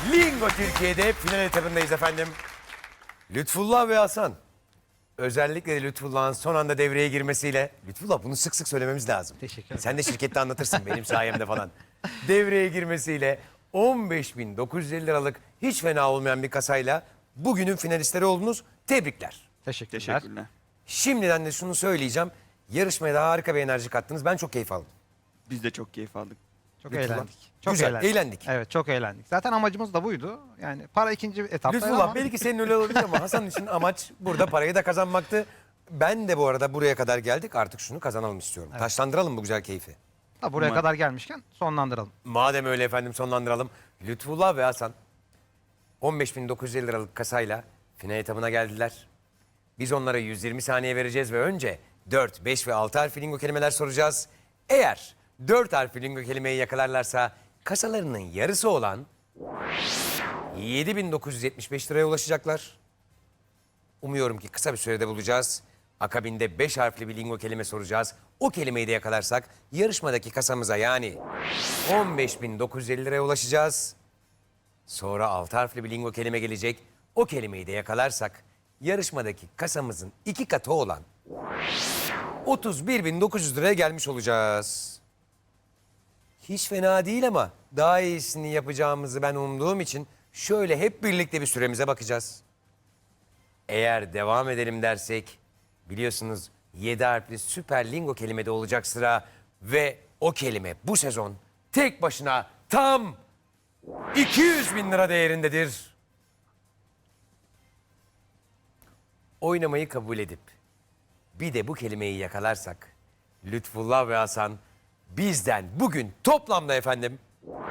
Lingo Türkiye'de final etabındayız efendim. Lütfullah ve Hasan. Özellikle de Lütfullah'ın son anda devreye girmesiyle... Lütfullah bunu sık sık söylememiz lazım. Teşekkür ederim. Sen de şirkette anlatırsın benim sayemde falan. Devreye girmesiyle 15.950 liralık hiç fena olmayan bir kasayla bugünün finalistleri oldunuz. Tebrikler. Teşekkürler. Teşekkürler. Şimdiden de şunu söyleyeceğim. Yarışmaya da harika bir enerji kattınız. Ben çok keyif aldım. Biz de çok keyif aldık. Çok Lütfullah. eğlendik. Çok Güzel, eğlendik. Evet, çok eğlendik. Zaten amacımız da buydu. Yani para ikinci etapta Lütfullah ama belki senin öyle olabilir ama Hasan için amaç burada parayı da kazanmaktı. Ben de bu arada buraya kadar geldik, artık şunu kazanalım istiyorum. Taşlandıralım bu güzel keyfi. da buraya Umarım. kadar gelmişken sonlandıralım. Madem öyle efendim, sonlandıralım. Lütfullah ve Hasan 15.950 liralık kasayla final etabına geldiler. Biz onlara 120 saniye vereceğiz ve önce 4, 5 ve 6 harfli lingo kelimeler soracağız. Eğer 4 harfli lingo kelimeyi yakalarlarsa kasalarının yarısı olan 7.975 liraya ulaşacaklar. Umuyorum ki kısa bir sürede bulacağız. Akabinde 5 harfli bir lingo kelime soracağız. O kelimeyi de yakalarsak yarışmadaki kasamıza yani 15.950 liraya ulaşacağız. Sonra 6 harfli bir lingo kelime gelecek. O kelimeyi de yakalarsak yarışmadaki kasamızın 2 katı olan 31.900 liraya gelmiş olacağız. Hiç fena değil ama daha iyisini yapacağımızı ben umduğum için şöyle hep birlikte bir süremize bakacağız. Eğer devam edelim dersek biliyorsunuz 7 harfli süper lingo kelimede olacak sıra ve o kelime bu sezon tek başına tam 200.000 lira değerindedir. Oynamayı kabul edip bir de bu kelimeyi yakalarsak Lütfullah ve Hasan bizden bugün toplamda efendim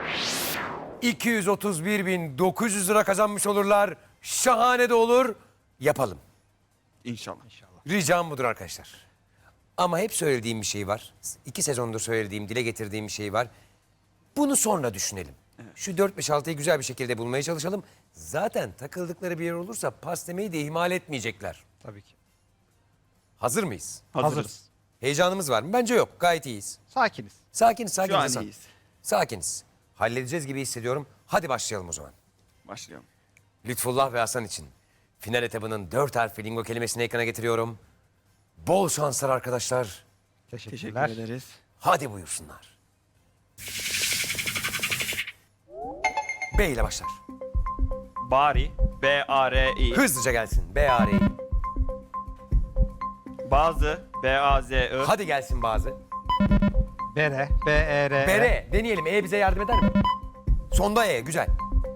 231.900 lira kazanmış olurlar. Şahane de olur. Yapalım. İnşallah. Ricam budur arkadaşlar. Ama hep söylediğim bir şey var. 2 sezondur söylediğim, dile getirdiğim bir şey var. Bunu sonra düşünelim. Şu 4, 5, 6'yı güzel bir şekilde bulmaya çalışalım. Zaten takıldıkları bir yer olursa pas demeyi de ihmal etmeyecekler. Tabii ki. Hazır mıyız? Hazırız. Heyecanımız var mı? Bence yok. Gayet iyiyiz. Sakiniz. Sakiniz, Şu sakiniz an Hasan. iyiyiz. Sakiniz. Halledeceğiz gibi hissediyorum. Hadi başlayalım o zaman. Başlayalım. Lütfullah ve Hasan için final etabının 4 harfli lingo kelimesini ekrana getiriyorum. Bol şanslar arkadaşlar. Teşekkür Teşekkürler. ederiz. Hadi buyursunlar. B ile başlar. Bari. B-A-R-I. Hızlıca gelsin. B-A-R-I. Bazı. B-A-Z-I. Hadi gelsin bazı. Bere. B-E-R-E. Bere. Deneyelim. E bize yardım eder mi? Sonda E. Güzel.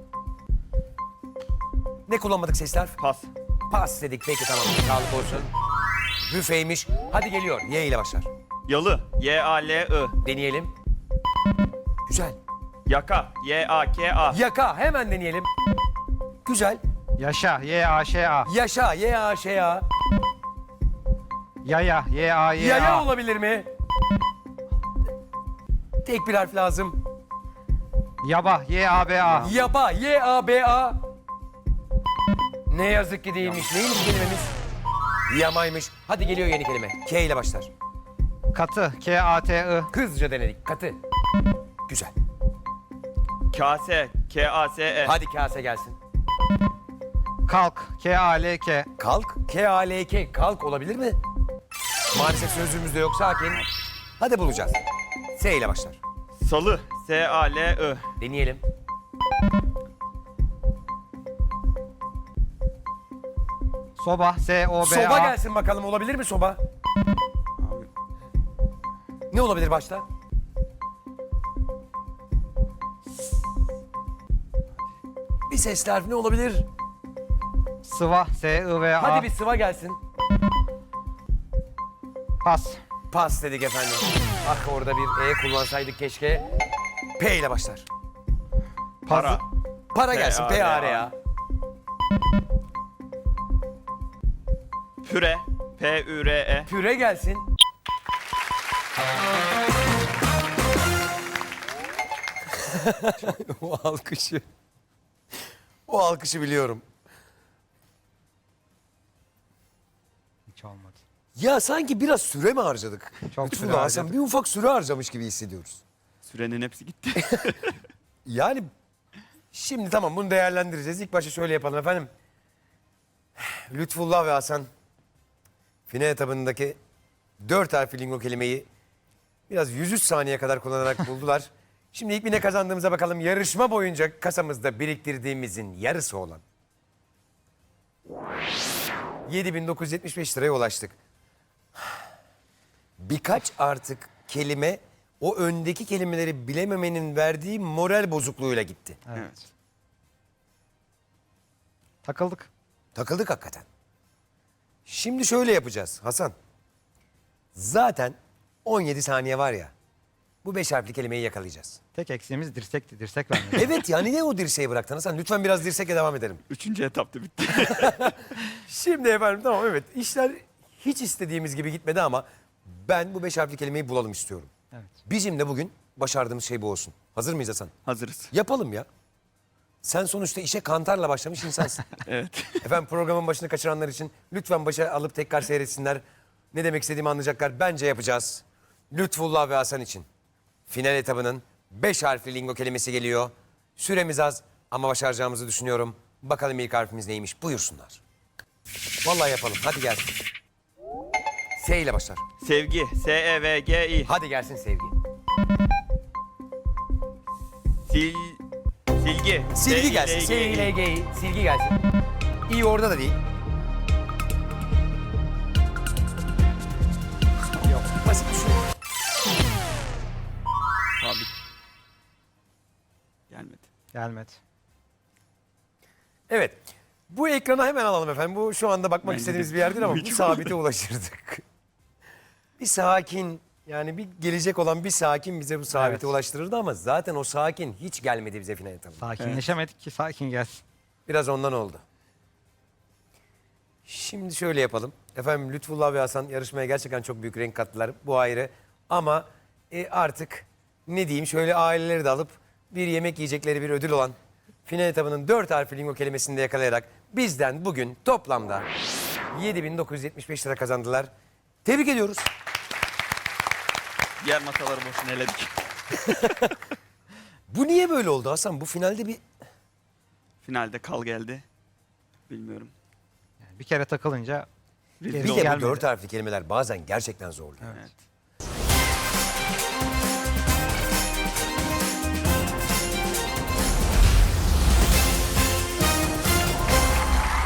Ne kullanmadık sesler? Pas. Pas dedik. Peki tamam. Sağlık olsun. Büfeymiş. Hadi geliyor. Y ile başlar. Yalı. Y-A-L-I. Deneyelim. Güzel. Yaka. Y-A-K-A. Yaka. Hemen deneyelim. Güzel. Yaşa. Y-A-Ş-A. Yaşa. Y-A-Ş-A. Yaya. Y-A-Y-A. Yaya olabilir mi? Tek bir harf lazım. Yaba. Y-A-B-A. Yaba. Y-A-B-A. Ne yazık ki değilmiş. Neymiş kelimemiz? Yamaymış. Hadi geliyor yeni kelime. K ile başlar. Katı. K-A-T-I. Hızlıca denedik. Katı. Güzel. Kase. K-A-S-E. Hadi kase gelsin. Kalk. K-A-L-K. Kalk. K-A-L-K. Kalk olabilir mi? Maalesef sözlüğümüzde yok. Sakin. Hadi bulacağız. S ile başlar. Salı. S-A-L-I. Deneyelim. Soba. S-O-B-A. Soba gelsin bakalım. Olabilir mi soba? Abi, Ne olabilir başta? Bir sesli harf ne olabilir? Sıva. S-I-V-A. Hadi bir sıva gelsin. Pas. Pas dedik efendim. Ah orada bir E kullansaydık keşke. P ile başlar. Para. Para gelsin. P-A-R-A. Püre. P-Ü-R-E. Püre gelsin. O alkışı. O alkışı biliyorum. Hiç olmadı. Ya sanki biraz süre mi harcadık? Çok Lütfullah süre Hasan, harcadık. bir ufak süre harcamış gibi hissediyoruz. Sürenin hepsi gitti. Yani Şimdi tamam, bunu değerlendireceğiz. İlk başta şöyle yapalım efendim. Lütfullah ve Hasan final etabındaki 4 harfli lingo kelimeyi biraz 103 saniye kadar kullanarak buldular. Şimdi ilk bir ne kazandığımıza bakalım. Yarışma boyunca kasamızda biriktirdiğimizin yarısı olan 7.975 liraya ulaştık. Birkaç artık kelime o öndeki kelimeleri bilememenin verdiği moral bozukluğuyla gitti. Evet. Takıldık. Takıldık hakikaten. Şimdi şöyle yapacağız Hasan. Zaten 17 saniye var ya. Bu 5 harfli kelimeyi yakalayacağız. Tek eksiğimiz dirsekti. Dirsek vermedi. Evet ya, niye o dirseği bıraktın Hasan? Lütfen biraz dirsekle devam edelim. 3. etapta bitti. Şimdi efendim tamam, evet, işler hiç istediğimiz gibi gitmedi ama ben bu 5 harfli kelimeyi bulalım istiyorum. Evet. Bizim de bugün başardığımız şey bu olsun. Hazır mıyız Hasan? Hazırız. Yapalım ya. Sen sonuçta işe kantarla başlamış insansın. Evet. Efendim, programın başını kaçıranlar için lütfen başa alıp tekrar seyretsinler. Ne demek istediğimi anlayacaklar. Bence yapacağız. Lütfullah ve Hasan için final etabının 5 harfli lingo kelimesi geliyor. Süremiz az ama başaracağımızı düşünüyorum. Bakalım ilk harfimiz neymiş? Buyursunlar. Vallahi yapalım. Hadi gelsin. S ile başlar. Sevgi. S-E-V-G-I. Hadi gelsin sevgi. Silgi. Silgi gelsin. S-I-L-G-I. Silgi gelsin. İyi, orada da değil. Yok. Basit düşün. Abi. Gelmedi. Gelmedi. Evet. Bu ekrana hemen alalım efendim. Bu şu anda bakmak Bence istediğimiz de. bir yer değil ama bu Hiç sabite ulaşırdık. Bir sakin, yani bir gelecek olan bir sakin bize bu sabite Evet. ulaştırırdı ama zaten o sakin hiç gelmedi bize final etabında. Sakinleşemedik ki sakin gelsin. Biraz ondan oldu. Şimdi şöyle yapalım. Efendim, Lütfullah ve Hasan yarışmaya gerçekten çok büyük renk kattılar. Bu ayrı. Ama artık ne diyeyim, şöyle aileleri de alıp bir yemek yiyecekleri bir ödül olan final etabının 4 harfli lingo kelimesini de yakalayarak bizden bugün toplamda 7.975 lira kazandılar. Tebrik ediyoruz. Diğer masaları boşuna eledik. Bu niye böyle oldu Hasan? Bu finalde bir... Finalde kal geldi. Bilmiyorum. Yani bir kere takılınca Rezil Gerisi Bir olduk. de bu gelmedi. 4 harfli kelimeler bazen gerçekten zorluyor. Evet.